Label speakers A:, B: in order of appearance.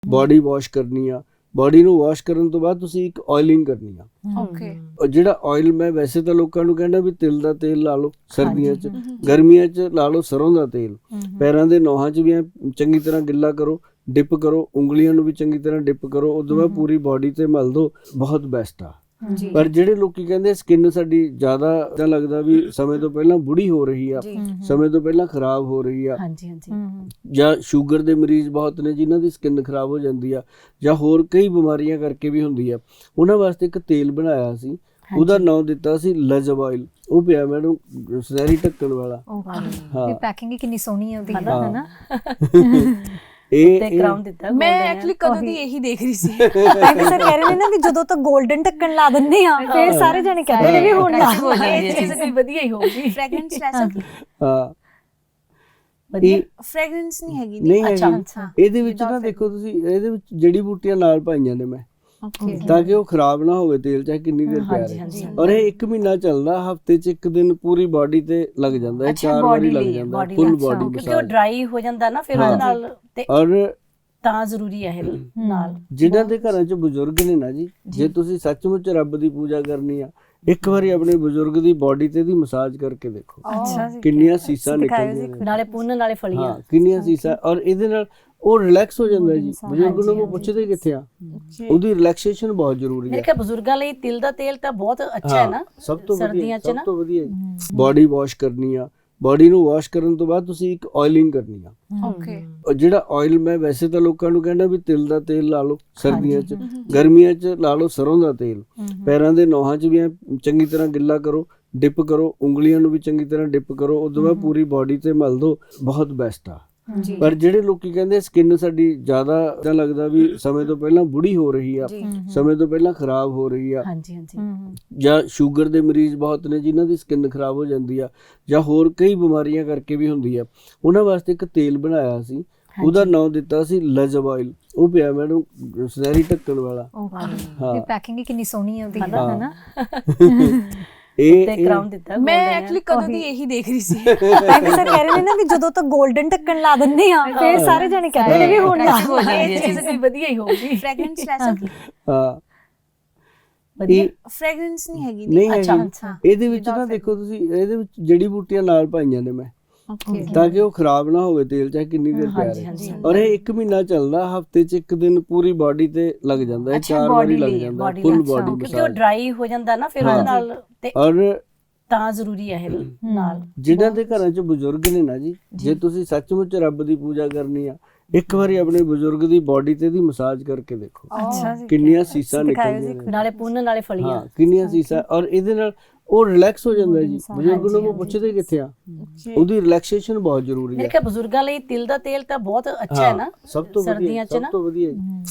A: Body wash ਕਰਨੀ ਆ, body ਨੂੰ ਵਾਸ਼ ਕਰਨ ਤੋਂ ਬਾਅਦ ਤੁਸੀਂ ਇੱਕ ਆਇਲਿੰਗ ਕਰਨੀ ਆ।
B: ਓਕੇ
A: ਔਰ ਜਿਹੜਾ ਆਇਲ, ਮੈਂ ਵੈਸੇ ਤਾਂ ਲੋਕਾਂ ਨੂੰ ਕਹਿੰਦਾ ਵੀ ਤਿਲ ਦਾ ਤੇਲ ਲਾ ਲਓ ਸਰਦੀਆਂ 'ਚ, ਗਰਮੀਆਂ 'ਚ ਲਾ ਲਓ ਸਰੋਂ ਦਾ ਤੇਲ। ਪੈਰਾਂ ਦੇ ਨੋਹਾਂ 'ਚ ਵੀ ਐਂ ਚੰਗੀ ਤਰ੍ਹਾਂ ਗਿੱਲਾ ਕਰੋ, ਡਿਪ ਕਰੋ, ਉਂਗਲੀਆਂ ਨੂੰ ਵੀ ਚੰਗੀ ਤਰ੍ਹਾਂ ਡਿਪ ਕਰੋ, ਉਦੋਂ ਬਾਅਦ ਪੂਰੀ ਬੋਡੀ ਤੇ ਮਲ ਦਿਓ, ਬਹੁਤ ਬੈਸਟ ਆ।
B: ਜੀ
A: ਪਰ ਜਿਹੜੇ ਲੋਕੀ ਕਹਿੰਦੇ ਸਕਿਨ ਸਾਡੀ ਜ਼ਿਆਦਾ ਤਾਂ ਲੱਗਦਾ ਵੀ ਸਮੇਂ ਤੋਂ ਪਹਿਲਾਂ ਬੁੜੀ ਹੋ ਰਹੀ ਆ, ਸਮੇਂ ਤੋਂ ਪਹਿਲਾਂ ਖਰਾਬ ਹੋ ਰਹੀ ਆ,
C: ਹਾਂਜੀ ਹਾਂਜੀ
A: ਜਾਂ ਸ਼ੂਗਰ ਦੇ ਮਰੀਜ਼ ਬਹੁਤ ਨੇ ਜਿਨ੍ਹਾਂ ਦੀ ਸਕਿਨ ਖਰਾਬ ਹੋ ਜਾਂਦੀ ਆ, ਜਾਂ ਹੋਰ ਕਈ ਬਿਮਾਰੀਆਂ ਕਰਕੇ ਵੀ ਹੁੰਦੀ ਆ, ਉਹਨਾਂ ਵਾਸਤੇ ਇੱਕ ਤੇਲ ਬਣਾਇਆ ਸੀ, ਉਹਦਾ ਨਾਮ ਦਿੱਤਾ ਸੀ ਲਜਬ ਆਇਲ। ਉਹ ਪਿਆ ਮੈਨੂੰ ਸੁਨਹਿਰੀ ਢੱਕਣ ਵਾਲਾ।
B: ਓਕੇ ਇਹ ਪੈਕਿੰਗ ਹੀ ਕਿੰਨੀ ਸੋਹਣੀ ਹੈ ਉਹਦੀ,
A: ਹਾਂ।
B: ਹੈ ਨਾ।
C: ਤੇ ਕਰਾਊਨ ਦਿੱਤਾ
B: ਮੈਂ
C: golden
B: ਐਕਚੁਅਲੀ ਕਦੋਂ ਦੀ ਇਹੀ ਦੇਖ ਰਹੀ ਸੀ।
D: ਐਵੇਂ ਸਰ ਕਹਿ ਰਹੇ ਨੇ ਨਾ ਵੀ ਜਦੋਂ ਤੱਕ 골ਡਨ ਢੱਕਣ ਲਾ ਦਿੰਦੇ ਆ ਫਿਰ ਸਾਰੇ ਜਣੇ ਕਹਿੰਦੇ ਨੇ ਵੀ ਹੁਣ ਲਾ
C: ਹੋ ਜਾਂਦੀ ਹੈ ਚੀਜ਼, ਕੋਈ ਵਧੀਆ ਹੀ ਹੋਊਗੀ।
B: ਫ੍ਰੈਗਰੈਂਸ ਲੈ ਸਕਦੀ,
A: ਹਾਂ,
C: ਵਧੀਆ
B: ਫ੍ਰੈਗਰੈਂਸ ਨਹੀਂ ਹੈਗੀ।
A: ਨਹੀਂ
C: ਅੱਛਾ,
A: ਹੈਗੀ।
C: ਅੱਛਾ।
A: ਇਹਦੇ ਵਿੱਚ ਨਾ ਦੇਖੋ ਤੁਸੀਂ, ਇਹਦੇ ਵਿੱਚ ਜੜੀ ਬੂਟੀਆਂ ਨਾਲ ਪਾਈਆਂ ਨੇ ਮੈਂ,
B: ਓਕੇ
A: ਤਾਂ ਕਿ ਉਹ ਖਰਾਬ ਨਾ ਹੋਵੇ ਤੇਲ, ਚਾਹੇ ਕਿੰਨੀ ਦੇਰ ਪਿਆ
C: ਹਾਂਜੀ
A: ਰਹੇ।
C: ਹਾਂਜੀ
A: ਔਰ ਇਹ 1 ਮਹੀਨਾ ਚੱਲਦਾ, ਹਫਤੇ 'ਚ 1 ਦਿਨ ਪੂਰੀ ਬਾਡੀ ਤੇ ਲੱਗ ਜਾਂਦਾ ਹੈ, 4 ਵਾਰੀ ਲੱਗ ਜਾਂਦਾ, ਫੁੱਲ ਬਾਡੀ
C: ਕਿਉਂਕਿ ਉਹ
A: ਮਸਾਜ।
C: ਡਰਾਈ ਹੋ ਜਾਂਦਾ ਨਾ ਫਿਰ ਉਹਦੇ ਨਾਲ, ਤੇ
A: ਔਰ
C: ਤਾਂ ਜ਼ਰੂਰੀ ਹੈ ਇਹ ਨਾਲ।
A: ਜਿਨ੍ਹਾਂ ਦੇ ਘਰਾਂ 'ਚ ਬਜ਼ੁਰਗ ਨੇ ਨਾ ਜੀ, ਜੇ ਤੁਸੀਂ ਸੱਚਮੁੱਚ ਰੱਬ ਦੀ ਪੂਜਾ ਕਰਨੀ ਆ, ਇੱਕ ਵਾਰੀ ਆਪਣੇ ਬਜ਼ੁਰਗ ਦੀ ਬਾਡੀ ਤੇ ਦੀ ਮਸਾਜ ਕਰਕੇ ਦੇਖੋ,
D: ਅੱਛਾ ਜੀ,
A: ਕਿੰਨੀਆਂ ਸੀਸਾਂ ਨਿਕਲਦੀਆਂ ਨੇ।
C: ਨਾਲੇ ਪੁੰਨ ਨਾਲੇ ਫਲੀਆਂ।
A: ਹਾਂ, ਕਿੰਨੀਆਂ ਸੀਸਾਂ। ਔਰ ਇਹਦੇ ਨਾਲ ਉਹ ਰਿਲੈਕਸ ਹੋ ਜਾਂਦਾ ਜੀ। ਬਜ਼ੁਰਗ ਨੂੰ ਉਹ ਪੁੱਛਦੇ ਕਿੱਥੇ ਆ, ਉਹਦੀ ਰਿਲੈਕਸੇਸ਼ਨ ਬਹੁਤ ਜ਼ਰੂਰੀ
C: ਮੇਰੇ
A: ਹੈ।
C: ਖਿਆਲ ਬਜ਼ੁਰਗਾਂ ਲਈ ਤਿਲ ਦਾ ਤੇਲ ਤਾਂ ਬਹੁਤ ਅੱਛਾ ਹੈ ਨਾ,
A: ਸਭ ਤੋਂ ਵਧੀਆ,
C: ਸਰਦੀਆਂ 'ਚ
A: ਸਭ
C: ਨਾ।
A: ਤੋਂ ਵਧੀਆ। ਬੋਡੀ ਵਾਸ਼ ਕਰਨੀ ਆ, ਬੋਡੀ ਨੂੰ ਵਾਸ਼ ਕਰਨ ਤੋਂ ਬਾਅਦ ਤੁਸੀਂ ਇੱਕ ਆਇਲਿੰਗ ਕਰਨੀ ਆ।
B: ਓਕੇ
A: ਔਰ ਜਿਹੜਾ ਆਇਲ, ਮੈਂ ਵੈਸੇ ਤਾਂ ਲੋਕਾਂ ਨੂੰ ਕਹਿੰਦਾ ਵੀ ਤਿਲ ਦਾ ਤੇਲ ਲਾ ਲਓ ਸਰਦੀਆਂ 'ਚ, ਗਰਮੀਆਂ 'ਚ ਲਾ ਲਓ ਸਰੋਂ ਦਾ ਤੇਲ। ਪੈਰਾਂ ਦੇ ਨੋਹਾਂ 'ਚ ਵੀ ਐਂ ਚੰਗੀ ਤਰ੍ਹਾਂ ਗਿੱਲਾ ਕਰੋ, ਡਿਪ ਕਰੋ, ਉਂਗਲੀਆਂ ਨੂੰ ਵੀ ਚੰਗੀ ਤਰ੍ਹਾਂ ਡਿਪ ਕਰੋ, ਉਦੋਂ ਬਾਅਦ ਪੂਰੀ ਬੋਡੀ ਤੇ ਮਲ ਦਿਓ, ਬਹੁਤ ਬੈਸਟ ਆ। ਪਰ ਜਿਹੜੇ ਲੋਕੀ ਕਹਿੰਦੇ ਸਕਿਨ ਸਾਡੀ ਜ਼ਿਆਦਾ ਤਾਂ ਲੱਗਦਾ ਵੀ ਸਮੇਂ ਤੋਂ ਪਹਿਲਾਂ ਬੁੜੀ ਹੋ ਰਹੀ ਆ, ਸਮੇਂ ਤੋਂ ਪਹਿਲਾਂ ਖਰਾਬ ਹੋ ਰਹੀ ਆ,
C: ਹਾਂਜੀ ਹਾਂਜੀ
A: ਜਾਂ ਸ਼ੂਗਰ ਦੇ ਮਰੀਜ਼ ਬਹੁਤ ਨੇ ਜਿਨ੍ਹਾਂ ਦੀ ਸਕਿਨ ਖਰਾਬ ਹੋ ਜਾਂਦੀ ਆ, ਜਾਂ ਹੋਰ ਕਈ ਬਿਮਾਰੀਆਂ ਕਰਕੇ ਵੀ ਹੁੰਦੀ ਆ, ਉਹਨਾਂ ਵਾਸਤੇ ਇੱਕ ਤੇਲ ਬਣਾਇਆ ਸੀ, ਉਹਦਾ ਨਾਮ ਦਿੱਤਾ ਸੀ ਲਜਬ ਆਇਲ। ਉਹ ਪਿਆ ਮੈਨੂੰ ਸੁਨਹਿਰੀ ਢੱਕਣ ਵਾਲਾ।
B: ਓਕੇ ਇਹ ਪੈਕਿੰਗ ਹੀ ਕਿੰਨੀ ਸੋਹਣੀ ਹੈ ਉਹਦੀ, ਹੈ ਨਾ।
C: ਤੇ ਕਰਾਊਨ ਦਿੱਤਾ
B: ਮੈਂ ਐਕਚੁਅਲੀ ਕਦੋਂ ਦੀ ਇਹੀ ਦੇਖ ਰਹੀ ਸੀ।
D: ਐਵੇਂ ਸਰ ਕਹਿ ਰਹੇ ਨੇ ਨਾ ਵੀ ਜਦੋਂ ਤੱਕ 골ਡਨ ਢੱਕਣ ਲਾ ਦਿੰਦੇ ਆ ਫਿਰ ਸਾਰੇ ਜਣੇ ਕਹਿੰਦੇ ਨੇ ਵੀ ਹੁਣ ਲਾ
C: ਹੋ ਜਾਂਦੀ ਹੈ ਚੀਜ਼, ਕੋਈ ਵਧੀਆ ਹੀ ਹੋਊਗੀ।
B: ਫ੍ਰੈਗਰੈਂਸ ਲੈ ਸਕਦੀ,
A: ਹਾਂ,
C: ਵਧੀਆ
B: ਫ੍ਰੈਗਰੈਂਸ ਨਹੀਂ ਹੈਗੀ।
A: ਨਹੀਂ
C: ਅੱਛਾ,
A: ਹੈਗੀ।
C: ਅੱਛਾ।
A: ਇਹਦੇ ਵਿੱਚ ਨਾ ਦੇਖੋ ਤੁਸੀਂ, ਇਹਦੇ ਵਿੱਚ ਜੜੀ ਬੂਟੀਆਂ ਨਾਲ ਪਾਈਆਂ ਨੇ ਮੈਂ,
B: ਓਕੇ
A: ਤਾਂ ਕਿ ਉਹ ਖਰਾਬ ਨਾ ਹੋਵੇ ਤੇਲ, ਚਾਹੇ ਕਿੰਨੀ ਦੇਰ ਪਿਆ ਰਹੇ। ਔਰ ਇਹ 1 ਮਹੀਨਾ ਚੱਲਦਾ, ਹਫਤੇ 'ਚ 1 ਦਿਨ ਪੂਰੀ ਬਾਡੀ ਤੇ ਲੱਗ ਜਾਂਦਾ ਹੈ, 4 ਵਾਰੀ ਲੱਗ ਜਾਂਦਾ, ਫੁੱਲ ਬਾਡੀ
C: ਕਿਉਂਕਿ ਉਹ
A: ਮਸਾਜ।
C: ਡਰਾਈ ਹੋ ਜਾਂਦਾ ਨਾ ਫਿਰ ਉਹਦੇ ਨਾਲ, ਤੇ
A: ਔਰ
C: ਤਾਂ ਜ਼ਰੂਰੀ ਹੈ ਇਹ ਨਾਲ।
A: ਜਿਨ੍ਹਾਂ ਦੇ ਘਰਾਂ 'ਚ ਬਜ਼ੁਰਗ ਨੇ ਨਾ ਜੀ, ਜੇ ਤੁਸੀਂ ਸੱਚਮੁੱਚ ਰੱਬ ਦੀ ਪੂਜਾ ਕਰਨੀ ਆ, ਇੱਕ ਵਾਰੀ ਆਪਣੇ ਬਜ਼ੁਰਗ ਦੀ ਬਾਡੀ ਤੇ ਦੀ ਮਸਾਜ ਕਰਕੇ ਦੇਖੋ,
D: ਅੱਛਾ ਜੀ,
A: ਕਿੰਨੀਆਂ ਸੀਸਾਂ ਨਿਕਲਦੀਆਂ ਨੇ।
C: ਨਾਲੇ ਪੁੰਨ ਨਾਲੇ ਫਲੀਆਂ।
A: ਹਾਂ, ਕਿੰਨੀਆਂ ਸੀਸਾਂ। ਔਰ ਇਹਦੇ ਨਾਲ ਉਹ ਰਿਲੈਕਸ ਹੋ ਜਾਂਦਾ ਜੀ। ਬਜ਼ੁਰਗ ਨੂੰ ਉਹ ਪੁੱਛਦੇ ਕਿੱਥੇ ਆ, ਉਹਦੀ ਰਿਲੈਕਸੇਸ਼ਨ ਬਹੁਤ ਜ਼ਰੂਰੀ
C: ਮੇਰੇ
A: ਹੈ।
C: ਖਿਆਲ ਬਜ਼ੁਰਗਾਂ ਲਈ ਤਿਲ ਦਾ ਤੇਲ ਤਾਂ ਬਹੁਤ ਅੱਛਾ ਹੈ ਨਾ,
A: ਸਭ ਤੋਂ ਵਧੀਆ,
C: ਸਰਦੀਆਂ 'ਚ
A: ਸਭ
C: ਨਾ।
A: ਤੋਂ ਵਧੀਆ।